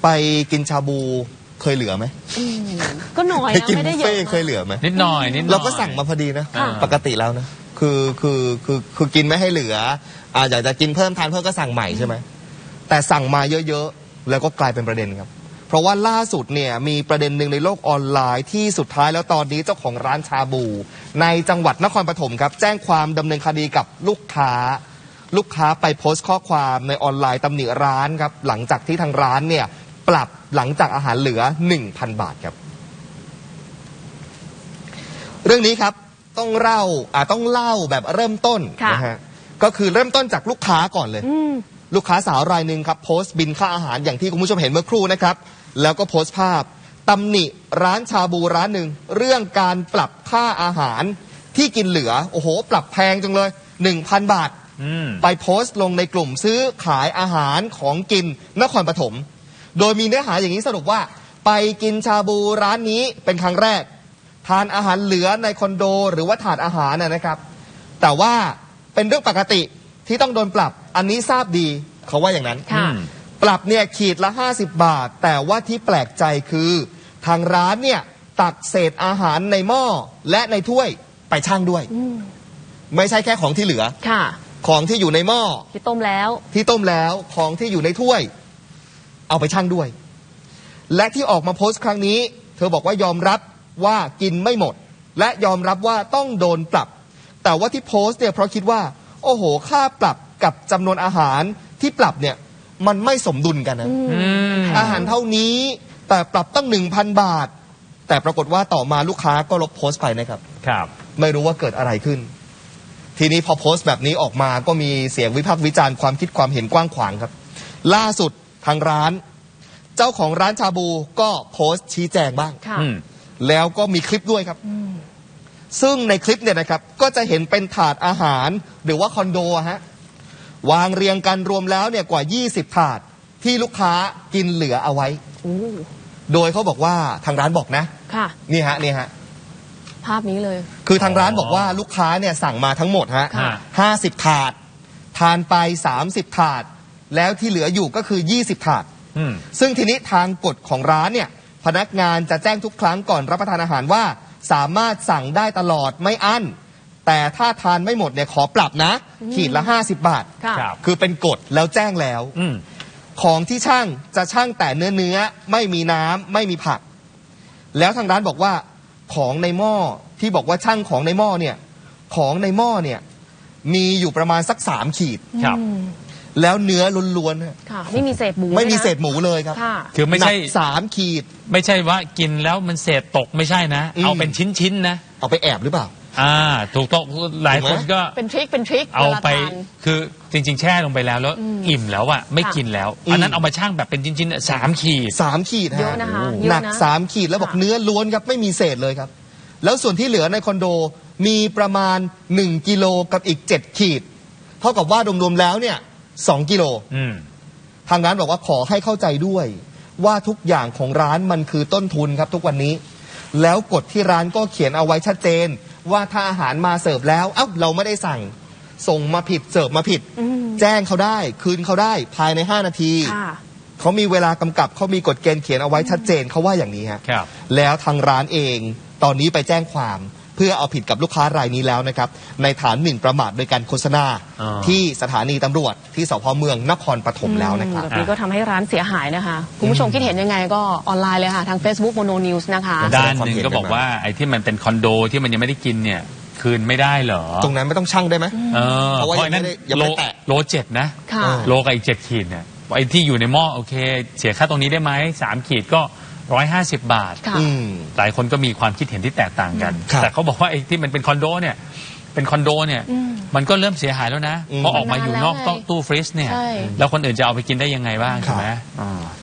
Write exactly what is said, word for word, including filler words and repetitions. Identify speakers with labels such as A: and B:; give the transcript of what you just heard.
A: ไปกินชาบูเคยเหลือไหม
B: ก็น้อยนะไม่ได้เยอะ
A: เคยเหลือไหม
C: นิดหน่อยนิดหน่อย
A: เราก็สั่งมาพอดีนะปกติแล้วนะคือคือคือคือกินไม่ให้เหลืออ่าอยากจะกินเพิ่มทานเพิ่มก็สั่งใหม่ใช่ไหมแต่สั่งมาเยอะๆแล้วก็กลายเป็นประเด็นครับเพราะว่าล่าสุดเนี่ยมีประเด็นหนึ่งในโลกออนไลน์ที่สุดท้ายแล้วตอนนี้เจ้าของร้านชาบูในจังหวัดนครปฐมครับแจ้งความดำเนินคดีกับลูกค้าลูกค้าไปโพสต์ข้อความในออนไลน์ตำหนิร้านครับหลังจากที่ทางร้านเนี่ยปรับหลังจากอาหารเหลือ หนึ่งพัน บาทครับเรื่องนี้ครับต้องเล่าอ่าต้องเล่าแบบเริ่มต้นนะฮะก็คือเริ่มต้นจากลูกค้าก่อนเลยลูกค้าสาวรายหนึ่งครับโพสต์บินค่าอาหารอย่างที่คุณผู้ชมเห็นเมื่อครู่นะครับแล้วก็โพสต์ภาพตำหนิร้านชาบูร้านหนึ่งเรื่องการปรับค่าอาหารที่กินเหลือโอ้โหปรับแพงจังเลย หนึ่งพัน บาทไปโพสต์ลงในกลุ่มซื้อขายอาหารของกินนครปฐมโดยมีเนื้อหาอย่างนี้สรุปว่าไปกินชาบูร้านนี้เป็นครั้งแรกทานอาหารเหลือในคอนโดหรือว่าถาดอาหารนะครับแต่ว่าเป็นเรื่องปกติที่ต้องโดนปรับอันนี้ทราบดีเขาว่าอย่างนั้นปรับเนี่ยขีดละห้าสิบบาทแต่ว่าที่แปลกใจคือทางร้านเนี่ยตักเศษอาหารในหม้อและในถ้วยไปชั่งด้วยไม่ใช่แค่ของที่เหลือของที่อยู่ในหม้อ
B: ที่ต้มแล้ว
A: ที่ต้มแล้วของที่อยู่ในถ้วยเอาไปชั่งด้วยและที่ออกมาโพสต์ครั้งนี้เธอบอกว่ายอมรับว่ากินไม่หมดและยอมรับว่าต้องโดนปรับแต่ว่าที่โพสต์เนี่ยเพราะคิดว่าโอ้โหค่าปรับกับจำนวนอาหารที่ปรับเนี่ยมันไม่สมดุลกันนะอาหารเท่านี้แต่ปรับตั้ง หนึ่งพัน บาทแต่ปรากฏว่าต่อมาลูกค้าก็ลบโพสต์ไปนะครับ
C: ครับ
A: ไม่รู้ว่าเกิดอะไรขึ้นทีนี้พอโพสต์แบบนี้ออกมาก็มีเสียงวิพากษ์วิจารณ์ความคิดความเห็นกว้างขวางครับล่าสุดทางร้านเจ้าของร้านชาบูก็โพสต์ชี้แจงบ้างแล้วก็มีคลิปด้วยครับซึ่งในคลิปเนี่ยนะครับก็จะเห็นเป็นถาดอาหารหรือว่าคอนโดฮะวางเรียงกันรวมแล้วเนี่ยกว่ายี่สิบถาดที่ลูกค้ากินเหลือเอาไว้โดยเขาบอกว่าทางร้านบอกนะ
B: ค่ะ
A: นี่ฮะนี่ฮะ
B: ภาพนี้เลย
A: คือทางร้านบอกว่าลูกค้าเนี่ยสั่งมาทั้งหมดฮะห้าสิบถาดทานไปสามสิบถาดแล้วที่เหลืออยู่ก็คือยี่สิบถาดซึ่งทีนี้ทางกฎของร้านเนี่ยพนักงานจะแจ้งทุกครั้งก่อนรับประทานอาหารว่าสามารถสั่งได้ตลอดไม่อั้นแต่ถ้าทานไม่หมดเนี่ยขอปรับนะขีดละห้าสิบบาทคือเป็นกฎแล้วแจ้งแล้วของที่ช่างจะช่างแต่เนื้อเนื้อไม่มีน้ำไม่มีผักแล้วทางร้านบอกว่าของในหม้อที่บอกว่าช่างของในหม้อเนี่ยของในหม้อเนี่ยมีอยู่ประมาณสักสามขีด
C: ครับ
A: แล้วเนื้อล้วน
B: ๆค่ะไม่มีเศษหมู
A: ไม่มีเศษหมูเลยครับ
C: คือไม่ใช่
A: สามขีด
C: ไม่ใช่ว่ากินแล้วมันเศษตกไม่ใช่นะเอาเป็นชิ้นๆนะ
A: เอาไปแอบหรือเปล่า
C: อ่าถูกต้องหลายคนก็
B: เป็นทริคเป็นทริค
C: เอาไปคือจริงๆแช่ลงไปแล้วแล้วอิ่มแล้วอะไม่กินแล้วอันนั้นเอามาชั่งแบบเป็นชิ้นๆสามขีด
A: สามขีด
B: เยอะนะคะ
A: หนักสามขีดแล้วบอกเนื้อล้วนครับไม่มีเศษเลยครับแล้วส่วนที่เหลือในคอนโดมีประมาณหนึ่งกิโลกับอีกเจ็ดขีดเท่ากับว่ารวมๆแล้วเนี่ยสองกิโลทางร้านบอกว่าขอให้เข้าใจด้วยว่าทุกอย่างของร้านมันคือต้นทุนครับทุกวันนี้แล้วกฎที่ร้านก็เขียนเอาไว้ชัดเจนว่าถ้าอาหารมาเสิร์ฟแล้วเอ้าเราไม่ได้สั่งส่งมาผิดเสิร์ฟมาผิดแจ้งเขาได้คืนเขาได้ภายในห้านาทีเขามีเวลากำกับเขามีกฎเกณฑ์เขียนเอาไว้ชัดเจนเขาว่าอย่างนี้ฮะแล้วทางร้านเองตอนนี้ไปแจ้งความเพื่อเอาผิดกับลูกค้ารายนี้แล้วนะครับในฐานหมิ่นประมาทโดยการโฆษณาที่สถานีตำรวจที่สพเมืองนครปฐมแล้วนะครับ
B: แบบนี้ก็ทำให้ร้านเสียหายนะคะคุณผู้ชมคิดเห็นยังไงก็ออนไลน์เลยค่ะทาง Facebook Mono News นะคะ
C: ด้านหนึ่งก็บอกว่าไอ้ที่มันเป็นคอนโดที่มันยังไม่ได้กินเนี่ยคืนไม่ได้เหรอ
A: ตรงนั้นไม่ต้องชั่งได้ไหม
C: เออเพราะว่านั้นโลโลเจ็ดนะโลกับอีกเจ็ดขีดเนี่ยไอ้ที่อยู่ในหม้อโอเคเสียค่าตรงนี้ได้ไหมสามขีดก็ร้อยห้าสิบบาทหลายคนก็มีความคิดเห็นที่แตกต่างกันแต่เขาบอกว่าไอ้ที่มันเป็นคอนโดเนี่ยเป็นคอนโดเนี่ยมันก็เริ่มเสียหายแล้วนะเพราะออกมาอยู่นอกตู้ฟรีซเนี่ยแล้วคนอื่นจะเอาไปกินได้ยังไงบ้างใช่ไหม